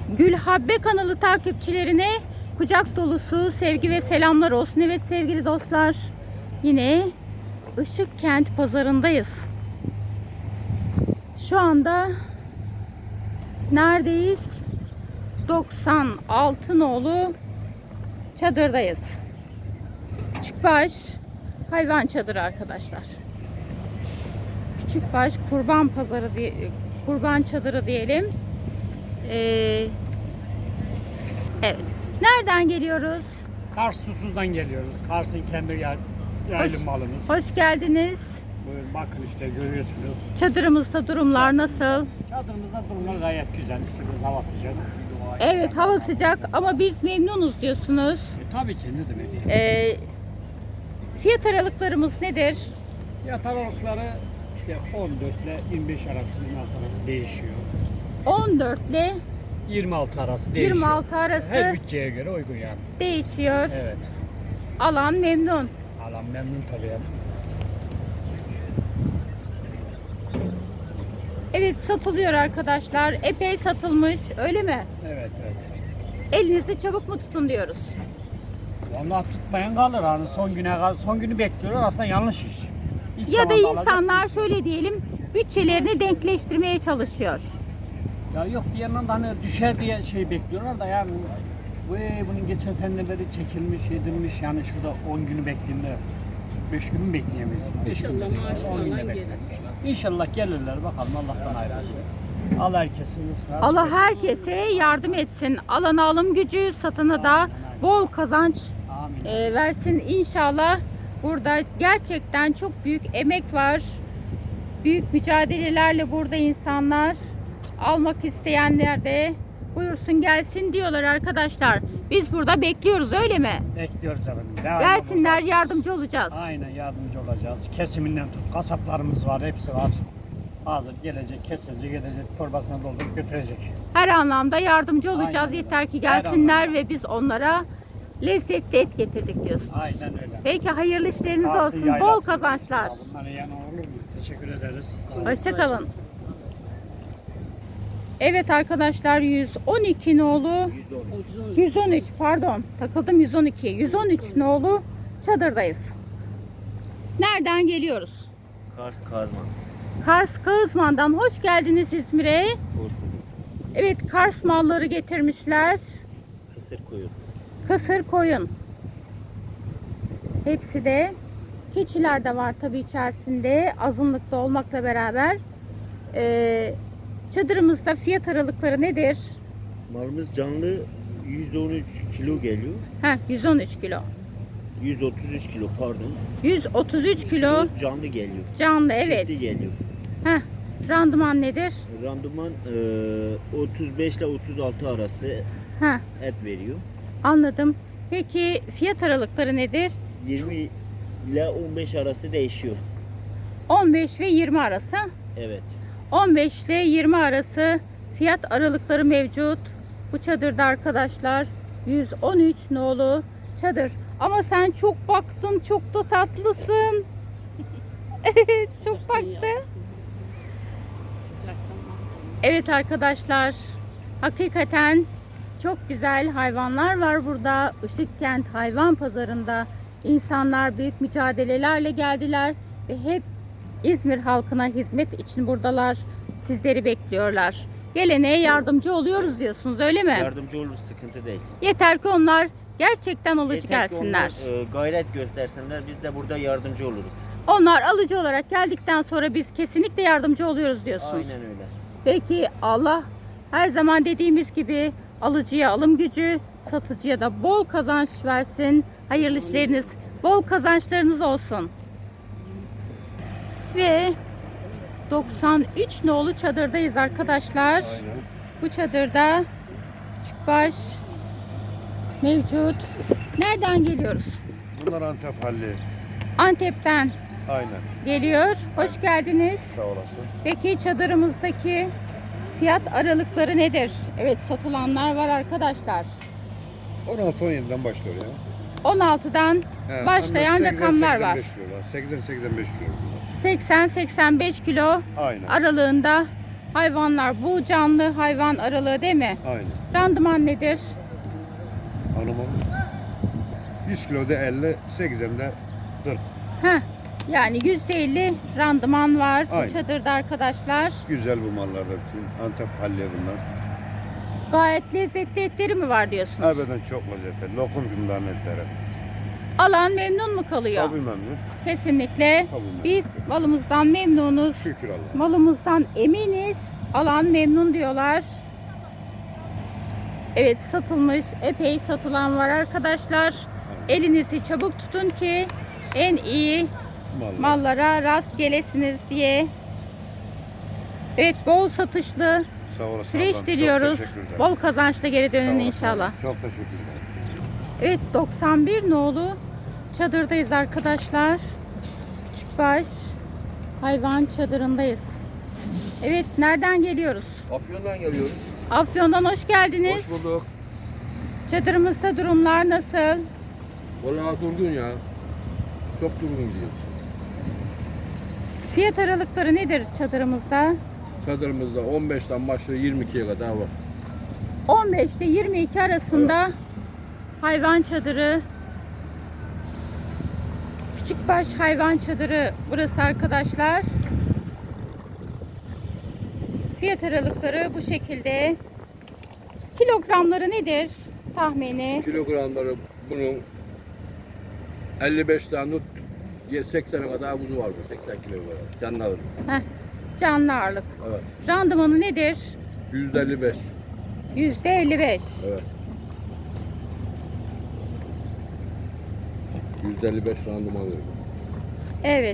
Gülhabbe kanalı takipçilerine kucak dolusu sevgi ve selamlar olsun. Evet sevgili dostlar, yine Işıkkent pazarındayız. Şu anda neredeyiz? 96 nolu çadırdayız. Küçükbaş hayvan çadırı arkadaşlar. Küçükbaş kurban pazarı diye, kurban çadırı diyelim. Evet. Nereden geliyoruz? Kars Susuz'dan geliyoruz. Kars'ın kendi yaylım malımız. Hoş geldiniz. Buyurun bakın işte görüyorsunuz. Çadırımızda durumlar nasıl? Çadırımızda durumlar gayet güzel. Biraz hava sıcak. Evet, hava sıcak ama biz memnunuz diyorsunuz. Tabii ki ne demek. Fiyat aralıklarımız nedir? Fiyat aralıkları işte 14 ile 25 arası, 26 arası değişiyor. 14 ile 26 arası değişiyor. 26 arası Her bütçeye göre uygun yani. değişiyor. Evet. Alan memnun. Alan memnun tabii yani. Evet, satılıyor arkadaşlar. Epey satılmış, öyle mi? Evet evet. Elinizi çabuk mu tutun diyoruz. Vallahi tutmayan kalır hani son günü bekliyorlar aslında yanlış iş. İlk Ya da zamanda insanlar alacaksın. şöyle diyelim, bütçelerini denkleştirmeye çalışıyor. Ya yok bir yandan da hani düşer diye şey bekliyorlar da yani bunun geçen seneleri çekilmiş edilmiş yani şurada 10 günü bekleyeyim de 5 gün mü bekleyemeyiz? 5 gün maaşını 10 günde alan bekleyemeyiz. İnşallah gelirler bakalım Allah'tan ayrılsın. Allah herkesin rızkını Allah açık herkese yardım etsin. Alana alım gücü, satana da bol kazanç etsin. Amin. versin inşallah. Burada gerçekten çok büyük emek var. Büyük mücadelelerle burada insanlar, almak isteyenler de buyursun gelsin diyorlar arkadaşlar. Biz burada bekliyoruz, öyle mi? Bekliyoruz efendim. Devamlı Gelsinler, buradayız. yardımcı olacağız. Aynen yardımcı olacağız. Kesiminden tut kasaplarımız var hepsi var. Hazır gelecek kesecek gidecek torbasına doldurup götürecek. Her anlamda yardımcı olacağız. Aynen öyle. Yeter ki Her gelsinler anlamda. ve biz onlara lezzetli et getirdik diyorsun. Aynen öyle. Peki, hayırlı işleriniz Kars'ın olsun. Bol yaylasında. kazançlar. Bunlara yan olur mu? Teşekkür ederiz. Hoşça kalın. Evet arkadaşlar, 112 nolu 113 pardon, takıldım, 113 nolu çadırdayız. Nereden geliyoruz? Kars Kazman. Kars Kağızman'dan hoş geldiniz İzmir'e. Hoş bulduk. Evet, Kars malları getirmişler. Kısır koyun. Kısır koyun. Hepsi de, keçiler de var tabii içerisinde, azınlıkta olmakla beraber. Çadırımızda fiyat aralıkları nedir? Malımız canlı 113 kilo geliyor. 113 kilo. 133 kilo pardon. 133 kilo Canlı geliyor. canlı, evet. Çifti geliyor. Randıman nedir? Randıman 35 ile 36 arası Heh, et veriyor. anladım. Peki fiyat aralıkları nedir? 20 ile 15 arası değişiyor. 15 ve 20 arası. Evet. 15 ile 20 arası fiyat aralıkları mevcut. Bu çadırda arkadaşlar 113 nolu çadır. Ama sen çok baktın, çok da tatlısın. Evet, çok baktı. Evet arkadaşlar, hakikaten çok güzel hayvanlar var burada. Işıkkent Hayvan Pazarı'nda insanlar büyük mücadelelerle geldiler ve hep İzmir halkına hizmet için buradalar. Sizleri bekliyorlar. Gelene yardımcı oluyoruz diyorsunuz, öyle mi? Yardımcı olur, sıkıntı değil. Yeter ki onlar gerçekten alıcı Yeter ki gelsinler. onlar, gayret göstersinler, biz de burada yardımcı oluruz. Onlar alıcı olarak geldikten sonra biz kesinlikle yardımcı oluyoruz diyorsunuz. Aynen öyle. Peki, Allah her zaman dediğimiz gibi alıcıya alım gücü, satıcıya da bol kazanç versin. Hayırlı işleriniz, bol kazançlarınız olsun. Ve 93 nolu çadırdayız arkadaşlar. Bu çadırda küçükbaş mevcut. Nereden geliyoruz? Bunlar Antep halli. Antep'ten Aynen. geliyor. Hoş geldiniz. Sağ olasın. Peki çadırımızdaki fiyat aralıkları nedir? Evet, satılanlar var arkadaşlar. 16-17'den başlıyor ya. 16'dan He, başlayan 80, rakamlar var. 85 kilo. 80-85 kilo. 80-85 kilo Aynen. aralığında hayvanlar. Bu canlı hayvan aralığı değil mi? Aynen. Randıman nedir? Hanımım 100 kiloda 50, 80'de 40. Heh, yani %50 randıman var bu Aynen. çadırda arkadaşlar. Güzel bu mallarda bütün. Antep halli bunlar. Gayet lezzetli etleri mi var diyorsunuz? Harbiden çok lezzetli. Lokum bunların etleri. Alan memnun mu kalıyor? Tabii memnun. Kesinlikle. Tabii memnun. Biz malımızdan memnunuz. Şükür Allah. Malımızdan eminiz. Alan memnun diyorlar. Evet, satılmış, epey satılan var arkadaşlar. Elinizi çabuk tutun ki en iyi Mallar. mallara rast gelesiniz diye. Evet, bol satışlı Sağ olasın. süreç ablam. diliyoruz. Çok teşekkür ederim. Bol kazançla geri Sağ dönün olasın inşallah. ablam. Çok teşekkür ederim. Evet, 91 nolu çadırdayız arkadaşlar. Küçükbaş hayvan çadırındayız. Evet, nereden geliyoruz? Afyon'dan geliyoruz. Afyon'dan hoş geldiniz. Hoş bulduk. Çadırımızda durumlar nasıl? Vallahi durgun ya. Çok durgun gidiyor. Fiyat aralıkları nedir çadırımızda? Çadırımızda 15'ten başlıyor 22'ye kadar var. 15 ile 22 arasında hayvan çadırı. Küçükbaş hayvan çadırı burası arkadaşlar. Fiyat aralıkları bu şekilde. Kilogramları nedir tahmini? Kilogramları bunun 55 tane tut 80'e kadar kuzu vardı. 80 kilogram. Canlı alır. Heh, canlı ağırlık. Evet. Randımanı nedir? %55. %55. Evet. %55 randıman veriyor. Evet.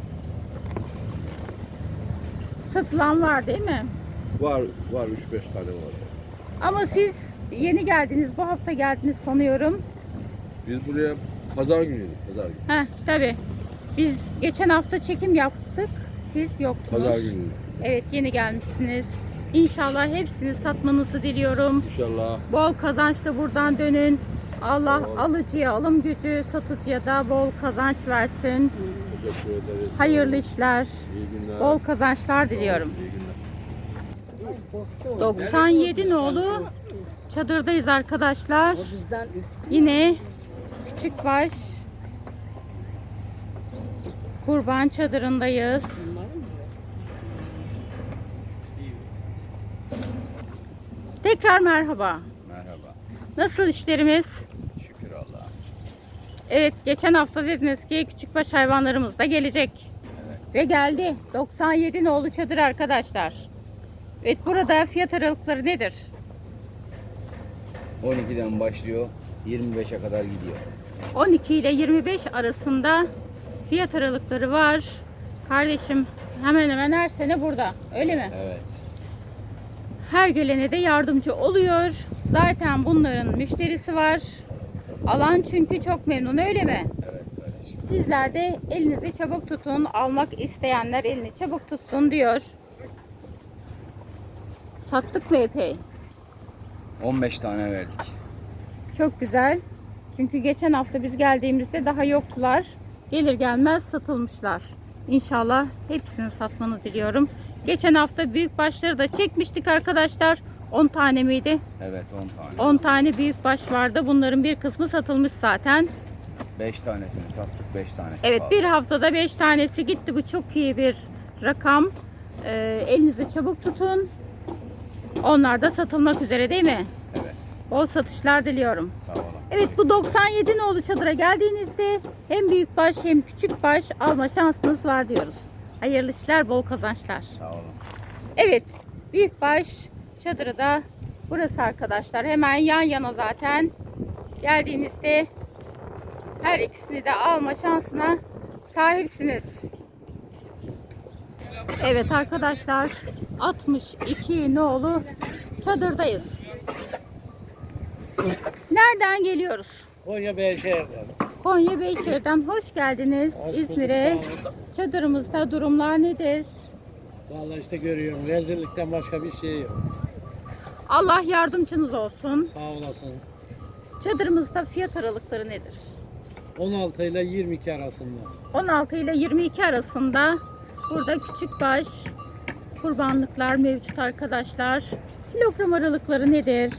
Satılan var değil mi? Var 3-5 tane var. Ama siz yeni geldiniz, bu hafta geldiniz sanıyorum. Biz buraya pazar günüydük. Pazar günü. Heh, tabii. Biz geçen hafta çekim yaptık. Siz yoktunuz. Pazar günü. Evet, yeni gelmişsiniz. İnşallah hepsini satmanızı diliyorum. İnşallah. Bol kazançla buradan dönün. Allah Sağ ol. alıcıya alım gücü, satıcıya da bol kazanç versin. Teşekkür ederiz. Hayırlı işler, İyi günler. bol kazançlar diliyorum. İyi günler. 97 nolu çadırdayız arkadaşlar. Yine küçükbaş kurban çadırındayız. Tekrar merhaba. Merhaba. Nasıl işlerimiz? Şükür Allah'a. Evet, geçen hafta dediniz ki küçükbaş hayvanlarımız da gelecek. Ve geldi. 97 nolu çadır arkadaşlar. Evet, burada fiyat aralıkları nedir? 12'den başlıyor, 25'e kadar gidiyor. 12 ile 25 arasında fiyat aralıkları var. Kardeşim hemen hemen her sene burada. Öyle mi? Evet. Her gelene de yardımcı oluyor. Zaten bunların müşterisi var. Alan çünkü çok memnun, öyle mi? Evet kardeşim. Sizler de elinizi çabuk tutun. Almak isteyenler elini çabuk tutsun diyor. Sattık mı epey? 15 tane verdik. Çok güzel. Çünkü geçen hafta biz geldiğimizde daha yoktular. Gelir gelmez satılmışlar. İnşallah hepsini satmanı diliyorum. Geçen hafta büyük başları da çekmiştik arkadaşlar. 10 tane miydi? Evet 10 tane. 10 tane büyük baş vardı. Bunların bir kısmı satılmış zaten. 5 tanesini sattık, 5 tanesi Evet, kaldı. bir haftada 5 tanesi gitti. Bu çok iyi bir rakam. Elinizi çabuk tutun. Onlar da satılmak üzere değil mi? Evet. Bol satışlar diliyorum. Sağ olun. Evet, bu 97 nolu çadıra geldiğinizde hem büyük baş hem küçük baş alma şansınız var diyoruz. Hayırlı işler, bol kazançlar. Sağ olun. Evet, büyük baş çadırı da burası arkadaşlar. Hemen yan yana zaten. Geldiğinizde her ikisini de alma şansına sahipsiniz. Evet arkadaşlar, 62 nolu çadırdayız. Nereden geliyoruz? Konya Beyşehir'den. Konya Beyşehir'den hoş geldiniz İzmir'e. Çadırımızda durumlar nedir? Vallahi işte görüyorum. Rezillikten başka bir şey yok. Allah yardımcınız olsun. Sağ olasın. Çadırımızda fiyat aralıkları nedir? 16 ile 22 arasında. 16 ile 22 arasında burada küçük baş kurbanlıklar mevcut arkadaşlar. Kilogram aralıkları nedir?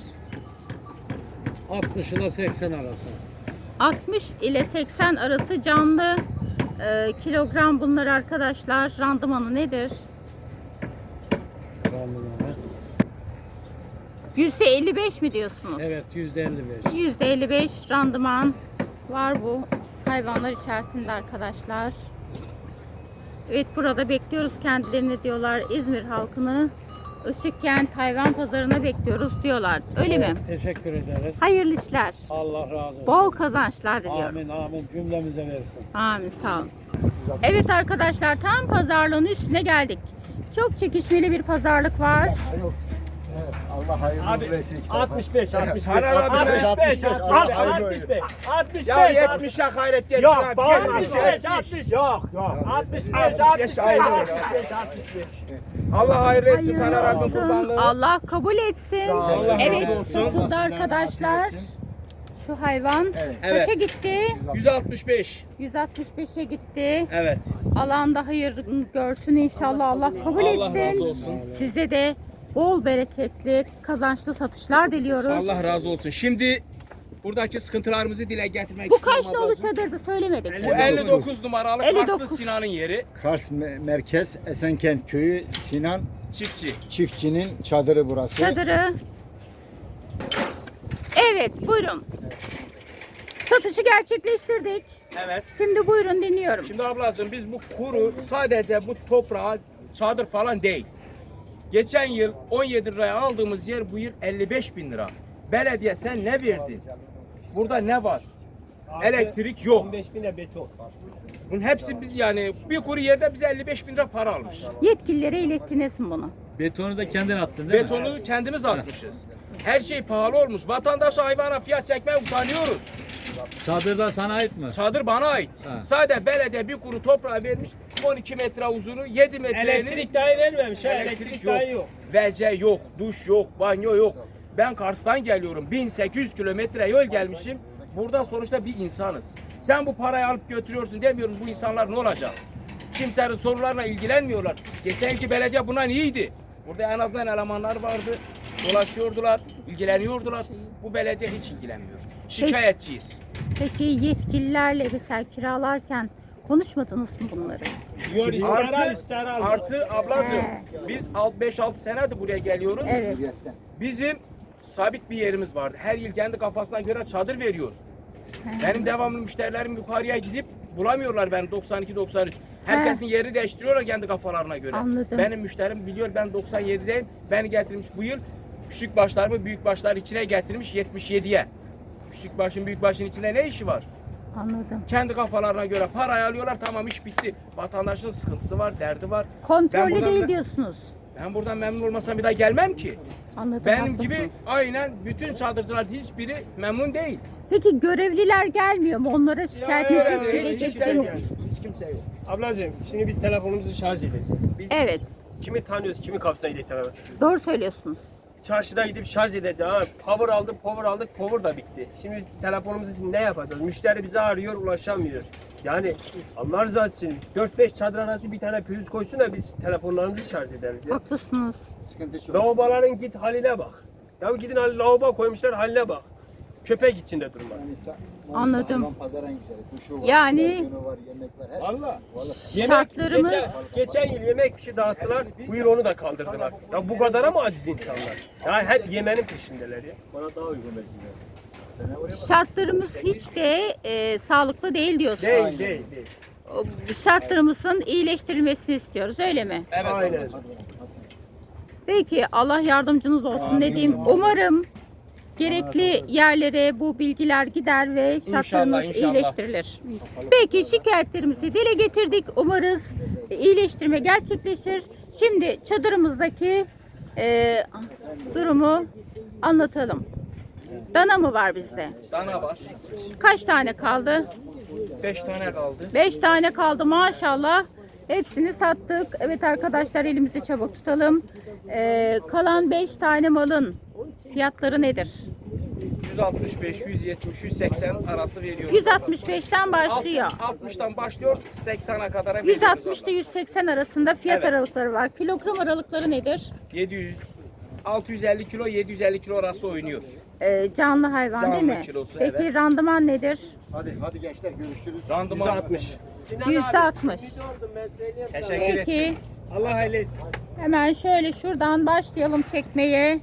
60 ile 80 arası. 60 ile 80 arası canlı kilogram bunlar arkadaşlar. Randımanı nedir? Randımanı. %55 mi diyorsunuz? Evet, %55. %55 randıman var bu hayvanlar içerisinde arkadaşlar. Evet, burada bekliyoruz kendilerini diyorlar. İzmir halkını Işıkkent hayvan pazarına bekliyoruz diyorlar. Öyle mi? Teşekkür ederiz. Hayırlı işler. Allah razı olsun. Bol kazançlar diliyorum. Amin amin cümlemize versin. Amin, sağ olun. Evet arkadaşlar, tam pazarlığın üstüne geldik. Çok çekişmeli bir pazarlık var. Allah hayırlı Abi, uğurlu etsin. 65, 65, Helal abi, 65, 65, 65, Ya 70'e gayret gelsin Yok, abi. bak, 65, 60, yok, yok. 65, 65, 65, ayrı. 65. Allah hayırlı etsin. Hayırlı Taner abi olsun. kurbanlığı. Allah kabul etsin. Allah Evet, razı olsun. satıldı arkadaşlar. Şu hayvan Evet. kaça gitti? 165. 165'e gitti. Evet. Alanda hayır görsün inşallah. Allah kabul Allah razı etsin. olsun. Size de bol bereketli, kazançlı satışlar diliyoruz. Allah razı olsun. Şimdi buradaki sıkıntılarımızı dile getirmek Bu istiyorum kaç nolu ablacığım. çadırdı söylemedik. Bu 59 numaralı 59. Karslı Sinan'ın yeri. Kars Merkez Esenkent Köyü Sinan Çiftçi. çiftçinin çadırı burası. Çadırı. Evet, buyurun. Satışı gerçekleştirdik. Evet. Şimdi buyurun, dinliyorum. Şimdi ablacığım biz bu kuru sadece bu toprağa çadır falan değil. Geçen yıl 17 liraya aldığımız yer bu yıl 55 bin lira. Belediye sen ne verdin? Burada ne var? Elektrik yok. 15 bine beton. Bunun hepsi biz yani bir kuru yerde bize 55 bin lira para almış. Yetkililere ilettiniz mi bunu? Betonu da kendin attın değil mi? Betonu kendimiz atmışız. Her şey pahalı olmuş. Vatandaş hayvana fiyat çekmeye utanıyoruz. Çadırda sana ait mi? Çadır bana ait. Ha. Sadece belediye bir kuru toprağı vermiş. 12 metre uzunu, 7 metrenin Elektrik dahi vermemiş ha. elektrik yok. WC yok, duş yok, banyo yok. Ben Kars'tan geliyorum. 1800 kilometre yol gelmişim. Burada sonuçta bir insanız. Sen bu parayı alıp götürüyorsun demiyorum, bu insanlar ne olacak? Kimsenin sorularla ilgilenmiyorlar. Geçenki belediye buna iyiydi. Burada en azından elemanlar vardı. Dolaşıyordular, ilgileniyordular. Bu belediye hiç ilgilenmiyor. Şikayetçiyiz. Peki yetkililerle mesela kiralarken konuşmadınız mı bunları? Artı ablacığım biz 5-6 senedir buraya geliyoruz. Evet. Bizim sabit bir yerimiz vardı. Her yıl kendi kafasına göre çadır veriyor. Benim devamlı müşterilerim yukarıya gidip bulamıyorlar ben 92-93. Herkesin yerini değiştiriyorlar kendi kafalarına göre. Anladım. Benim müşterim biliyor ben 97'deyim. Beni getirmiş bu yıl küçük başlarımı büyük başlar içine getirmiş 77'ye. Küçük başın büyük başın içinde ne işi var? Anladım. Kendi kafalarına göre parayı alıyorlar, tamam iş bitti. Vatandaşın sıkıntısı var, derdi var. Ben Kontrollü buradan değil da- diyorsunuz. Ben buradan memnun olmasam bir daha gelmem ki. Anladım. Benim haklısınız. gibi aynen bütün çadırcılar hiçbiri memnun değil. Peki görevliler gelmiyor mu? Onlara şikayetinizi Öyle dile hiç kimse getirin. yok. Hiç kimse yok. Ablacığım şimdi biz telefonumuzu şarj edeceğiz. Biz Evet. kimi tanıyoruz, kimi kapsaydık telefon. Doğru söylüyorsunuz. Çarşıda gidip şarj edeceğiz. Ha, power aldık, power da bitti. Şimdi biz telefonumuzu ne yapacağız? Müşteri bizi arıyor, ulaşamıyor. Yani Allah rızası için 4-5 çadır arası bir tane pürüz koysun da biz telefonlarımızı şarj ederiz ya. Haklısınız. Sıkıntı çok. Lavaboların git haline bak. Ya gidin lavabo koymuşlar haline bak. Köpek içinde durmaz. Anladım. Hayvan pazarı en güzeli. Kuşu var, Yani- televizyonu var, yemek var, her şey. Valla. Şartlarımız Geçen yıl yemek fişi dağıttılar, bu yıl onu da kaldırdılar. Ya bu kadara mı aciz insanlar? Ya hep yemenin peşindeler ya. Bana daha uygun belki de. şartlarımız hiç de sağlıklı değil diyorsunuz. Değil. Şartlarımızın iyileştirilmesini istiyoruz, öyle mi? Evet. Aynen. Peki, Allah yardımcınız olsun. Ne diyeyim? Umarım gerekli yerlere bu bilgiler gider ve şartlarımız İnşallah. iyileştirilir. Peki, şikayetlerimizi dile getirdik. Umarız iyileştirme gerçekleşir. Şimdi çadırımızdaki durumu anlatalım. Dana mı var bizde? Dana var. Kaç tane kaldı? 5 tane kaldı. 5 tane kaldı maşallah. Hepsini sattık. Evet arkadaşlar, elimizi çabuk tutalım. Kalan 5 tane malın fiyatları nedir? 165, 170, 180 arası veriyoruz. 165'ten başlıyor. 60'tan başlıyor 80'e kadar 160 ile 180 arasında fiyat Evet. aralıkları var. Kilogram aralıkları nedir? 700 650 kilo 750 kilo arası oynuyor. Canlı hayvan Canlı değil mi? kilosu, Peki evet. randıman nedir? Hadi gençler görüşürüz. Randıman 60. %60. Teşekkür ederim. Peki. Allah hayırlı etsin. Hemen şöyle şuradan başlayalım çekmeye.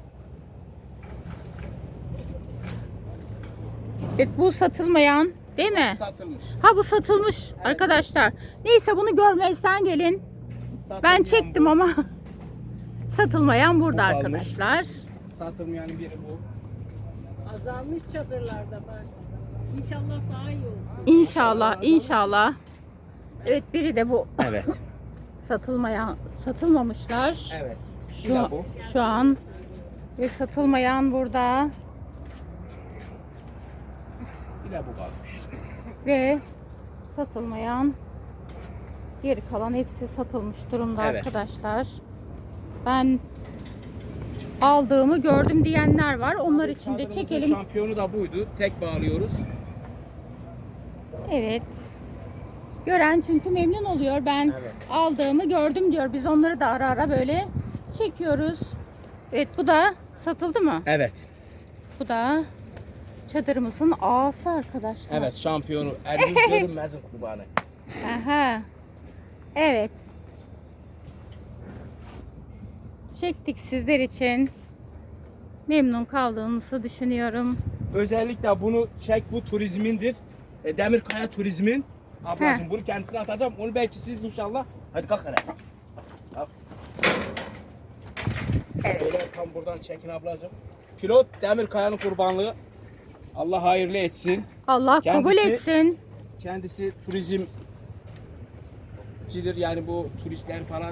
Evet, bu satılmayan değil mi? Satılmış. Ha, bu satılmış arkadaşlar. Neyse, bunu görmezsen gelin. Ben çektim ama satılmayan burada Bu kalmış. arkadaşlar. Satılmayan biri bu. Azalmış çadırlarda bak. İnşallah daha iyi olur. İnşallah, inşallah. Evet, biri de bu. Evet. Satılmamışlar. Evet. Şu, şu an ve satılmayan burada Bir de bu kalmış. ve satılmayan, geri kalan hepsi satılmış durumda Evet. arkadaşlar. Ben aldığımı gördüm diyenler var. Onlar için de Çadırımızın çekelim. şampiyonu da buydu. Tek bağlıyoruz. Evet. Gören çünkü memnun oluyor. Ben Evet. aldığımı gördüm diyor. Biz onları da ara ara böyle çekiyoruz. Evet, bu da satıldı mı? Evet. Bu da çadırımızın ağası arkadaşlar. Evet, şampiyonu. Ergün görünmezin kurbanı. Aha. Evet. Çektik sizler için. Memnun kaldığınızı düşünüyorum. Özellikle bunu çek, bu turizmindir. Demirkaya turizmin. Ablacığım Heh. bunu kendisine atacağım. Onu belki siz inşallah. Hadi kalk hele. Kalk. Evet. Böyle tam buradan çekin ablacığım. Pilot Demirkaya'nın kurbanlığı. Allah hayırlı etsin. Allah kabul Kendisi- etsin. Kendisi turizmcidir, yani bu turistler falan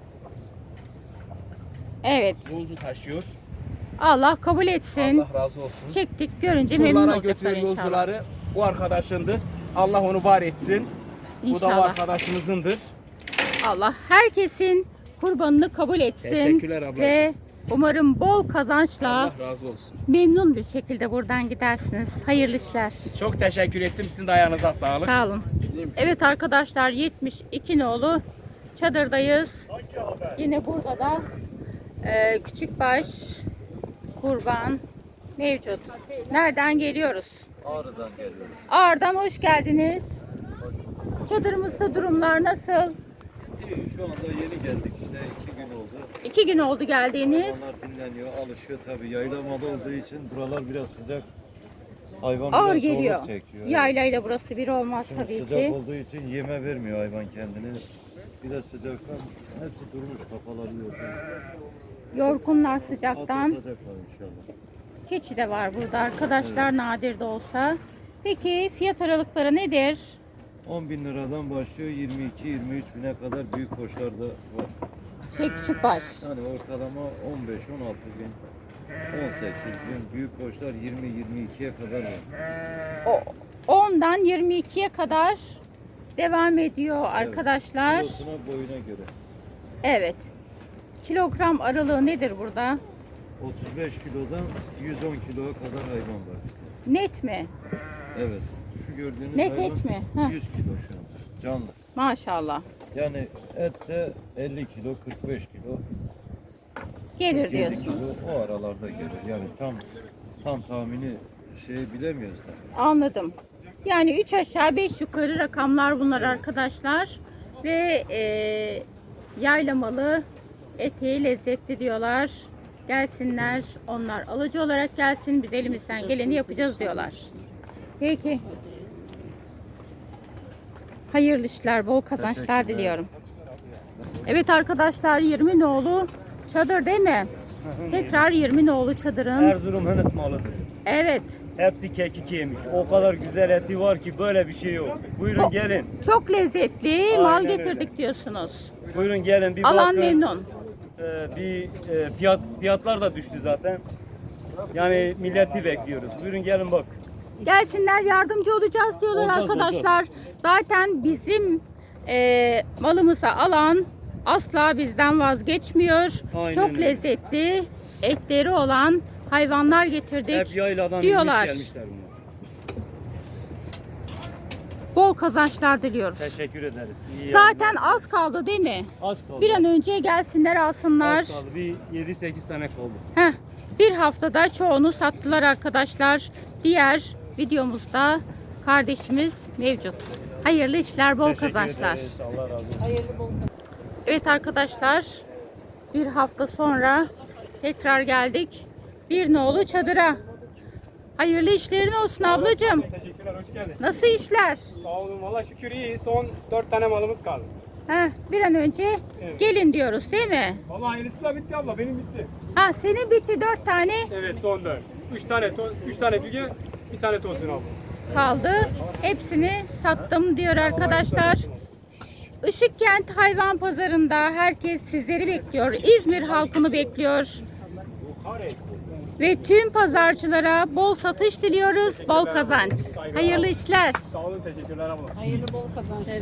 Evet. yolcu taşıyor. Allah kabul etsin. Allah razı olsun. Çektik, görünce memnun Turlara olacaklar götüren inşallah. yolcuları bu arkadaşındır. Allah onu var etsin. Bu da o İnşallah. arkadaşımızındır. Allah herkesin kurbanını kabul etsin. Teşekkürler ablacığım. Ve umarım bol kazançla Allah razı olsun. memnun bir şekilde buradan gidersiniz. Hayırlı işler. Çok teşekkür ettim. Sizin de ayağınıza sağlık. Sağ olun. Evet arkadaşlar, 72 nolu çadırdayız. Yine burada da küçükbaş kurban mevcut. Nereden geliyoruz? Ağrı'dan geliyoruz. Ağrı'dan hoş geldiniz. Çadırımızda durumlar nasıl? İyi, şu anda yeni geldik işte 2 gün oldu. 2 gün oldu geldiğiniz. Hayvanlar dinleniyor, alışıyor tabii. Yaylamalı olduğu için buralar biraz sıcak. Hayvan Ağır biraz geliyor. zorluk çekiyor. Yaylayla burası bir olmaz Şimdi tabii sıcak ki. olduğu için yeme vermiyor hayvan kendini. Bir de sıcaktan hepsi durmuş, kafaları yorgun. Yorgunlar sıcaktan. Atlatacaklar inşallah. Keçi de var burada arkadaşlar, nadir de olsa. Peki fiyat aralıkları nedir? 10.000 liradan başlıyor, 22-23 bine kadar büyük koçlar da var. Küçükbaş. Yani ortalama 15-16 bin, 18 bin, büyük koçlar 20-22'ye kadar var. 10'dan 22'ye kadar devam ediyor arkadaşlar. Kilosuna, boyuna göre. Evet. Kilogram aralığı nedir burada? 35 kilodan 110 kiloya kadar hayvan var bizde. Net mi? Evet. Şu gördüğünüz Net hayvan et mi? Heh. 100 kilo şu anda. Canlı. Maşallah. Yani et de 50 kilo, 45 kilo, Gelir 7 diyorsun. kilo o aralarda gelir. Yani tam tahmini bilemiyoruz da. Anladım. Yani 3 aşağı 5 yukarı rakamlar bunlar arkadaşlar. Ve yaylamalı, eti lezzetli diyorlar. Gelsinler, onlar alıcı olarak gelsin. Biz elimizden geleni yapacağız diyorlar. Peki. Hayırlı işler, bol kazançlar Teşekkürler. diliyorum. Evet arkadaşlar, 20 nolu çadır değil mi? Tekrar 20 nolu çadırın. Erzurum Hınıs malıdır. Evet. Hepsi kekik yemiş. O kadar güzel eti var ki böyle bir şey yok. Buyurun gelin. Çok lezzetli mal Aynen getirdik öyle. diyorsunuz. Buyurun gelin bir Alan bakın. memnun. Fiyatlar da düştü zaten. Yani milleti bekliyoruz. Buyurun gelin bak. Gelsinler, yardımcı olacağız diyorlar Olacağız, arkadaşlar. Zaten bizim malımıza alan asla bizden vazgeçmiyor. Aynen Çok öyle. lezzetli etleri olan hayvanlar getirdik Hep yayladan diyorlar. inmiş gelmişler bunlar. Bol kazançlar diliyoruz. Teşekkür ederiz. İyi Zaten yayınlar. az kaldı değil mi? az kaldı. Bir an önce gelsinler alsınlar. Az kaldı. Bir 7-8 tane kaldı. Heh, bir haftada çoğunu sattılar arkadaşlar. Diğer videomuzda kardeşimiz mevcut. Hayırlı işler, bol Teşekkür kazançlar. ederiz. Allah razı olsun. Hayırlı bol Evet arkadaşlar, bir hafta sonra tekrar geldik. Bir nolu çadıra. Hayırlı işlerin olsun ablacığım. Teşekkürler, hoş geldin. Nasıl işler? Sağ olun, valla şükür iyi. Son 4 tane malımız kaldı. Heh, bir an önce gelin diyoruz değil mi? Valla hayırlısı da bitti abla, benim bitti. Ha, senin bitti 4 tane Evet, son 4. 3 tane düge, bir tane tosun abla. kaldı. Hepsini sattım diyor arkadaşlar. Işıkkent Hayvan Pazarı'nda herkes sizleri bekliyor. İzmir halkını bekliyor. Ve tüm pazarcılara bol satış diliyoruz, bol kazanç. Hayırlı işler. Sağ olun, teşekkürler abla. hayırlı bol kazançlar.